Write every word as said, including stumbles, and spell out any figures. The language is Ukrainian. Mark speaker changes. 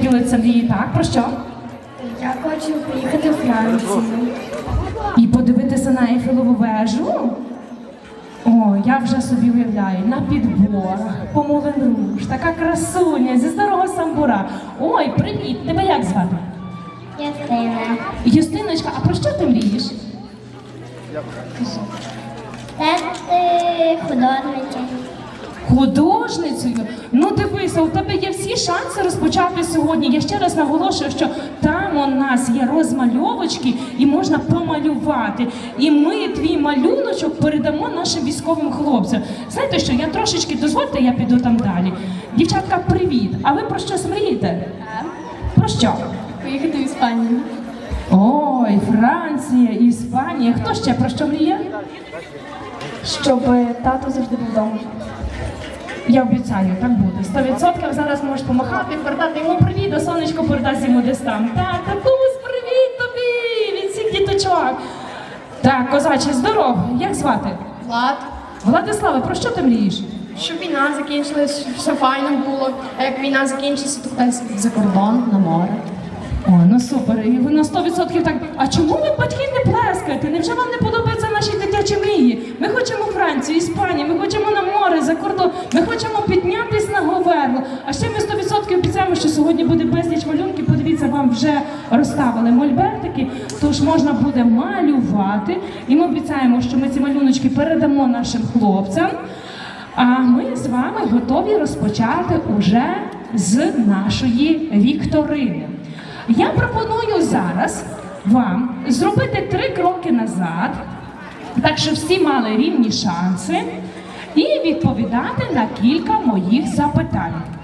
Speaker 1: ділиться мрії, так? Про що?
Speaker 2: Я хочу поїхати у Францію.
Speaker 1: І подивитися на Ейфелеву вежу? О, я вже собі уявляю, на підборах, по Мулен Руж, така красуня, зі старого самбура. Ой, привіт, тебе як звати?
Speaker 2: Юстина.
Speaker 1: Юстиночка, а про що ти мрієш?
Speaker 2: Стати художницею.
Speaker 1: Художницею? Ну дивися, у тебе є всі шанси розпочати сьогодні. Я ще раз наголошую, що там у нас є розмальовочки і можна помалювати. І ми твій малюночок передамо нашим військовим хлопцям. Знаєте що, я трошечки, дозвольте, я піду там далі. Дівчатка, привіт! А ви про щось мрієте? Про що?
Speaker 2: Поїхати в Іспанію.
Speaker 1: Ой, Франція, Іспанія. Хто ще про що мріє?
Speaker 2: Щоб тато завжди був вдома.
Speaker 1: Я обіцяю, так буде. Сто відсотків зараз можеш помахати, передати йому привіт, а сонечко передасть йому десь там. Так, татусь, привіт тобі від всіх діточок. Так, козаче, здоров. Як звати?
Speaker 3: Влад,
Speaker 1: Владиславе, про що ти мрієш?
Speaker 3: щоб війна закінчилась, все файно було. А як війна закінчиться, то хтось за кордон, на море.
Speaker 1: О, ну супер. І ви на сто відсотків так. А чому ви, батьки, не плескаєте? Невже вам не подобаються наші дитячі мрії? Ми хочемо Францію, Іспанію, ми хочемо на море, за кордон, ми хочемо піднятись на Говерло. А ще ми сто відсотків обіцяємо, що сьогодні буде безліч малюнків. Подивіться, вам вже розставили мольбертики, тож можна буде малювати. І ми обіцяємо, що ми ці малюночки передамо нашим хлопцям. А ми з вами готові розпочати уже з нашої вікторини. Я пропоную зараз вам зробити три кроки назад, так що всі мали рівні шанси, і відповідати на кілька моїх запитань.